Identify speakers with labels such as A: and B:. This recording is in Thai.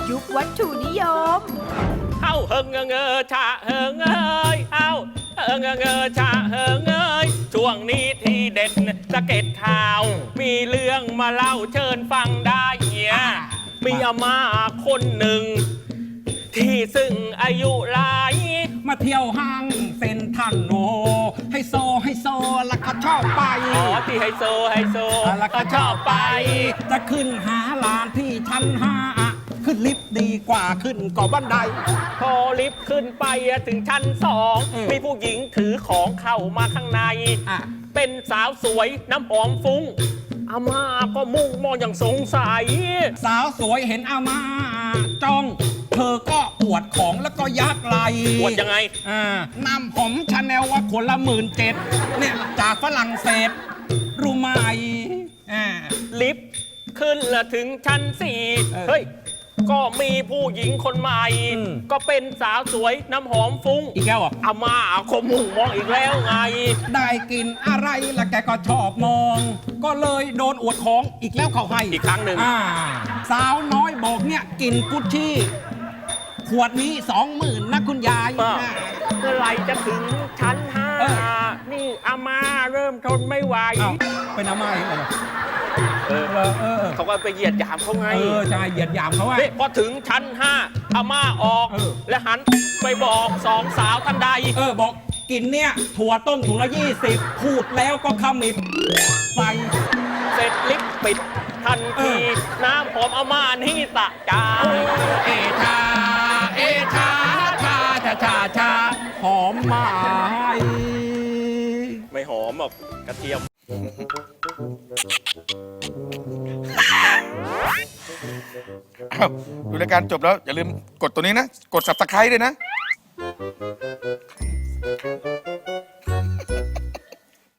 A: ยุควัตถุนิยม
B: เอ้าเฮิงเงอชะเฮิงเอ้ยเอ้าเฮิงเงอชะเฮิงเอ้ยช่วงนี้ที่เด็ดสะเก็ดข่าว มีเรื่องมาเล่าเชิญฟังได้เฮียมีอาม่าคนหนึ่ง ที่ซึ่งอายุหลาย
C: มาเที่ยวห้างเซ็นทรัลโนไฮโซแล้วก็ชอบไป
B: อ๋อที่ไฮโซ
C: แล้วก็ชอบไปจะขึ้นหาลานที่ชั้น5ขึ้นลิฟต์ดีกว่าขึ้นก่อบันได
B: พอลิฟต์ขึ้นไปถึงชั้น2มีผู้หญิงถือของเข้ามาข้างในเป็นสาวสวยน้ำหอมฟุ้งอาม่าก็มุ่งมองอย่างสงสัย
C: สาวสวยเห็นอาม่าจ้องเธอก็อวดของแล้วก็ยักไหล
B: อวดยังไง
C: น้ำหอมชาแนลว่าคนละ17,000เนี่ยจากฝรั่งเศสรู้ไหม
B: ลิฟต์ขึ้นละถึงชั้น4เฮ้ยก็มีผู้หญิงคนใหม่ก็เป็นสาวสวยน้ำหอมฟุ้ง
C: อีกแล้ว
B: อาม่าก็มุ่งมองอีกแล้วไง
C: ได้กินอะไรละแกก็ชอบมอง ก็เลยโดนอวดของอีกแล้วเขาให้
B: อีกครั้งหนึ่ง
C: สาวน้อยบอกเนี่ยกินกุชชี่ขวดนี้20,000นะคุณยาย
B: เมื่อไรจะถึงชั้น5นี่อาม่าเริ่มทนไม่ไหว
C: เป็นอาม่าเองเหรอ
B: เขาก็ไปเหยียดหยามเขาไง
C: ใช่เหยียดหยามเขาไง
B: พอถึงชั้น5อาม่าออกและหันไปบอก2 สาวทันใด
C: บอกกินเนี่ยถั่วต้มถุงละ20พูดแล้วก็ขมิบไฟ
B: เสร็จลิฟต์ปิดทันทีน้ำหอมอาม่านี่ตะจาย
C: ชาหอมไหม
B: ไม่หอมหรอกกระเทียม
D: ดูรายการจบแล้วอย่าลืมกดตัวนี้นะกด Subscribe ด้วยนะ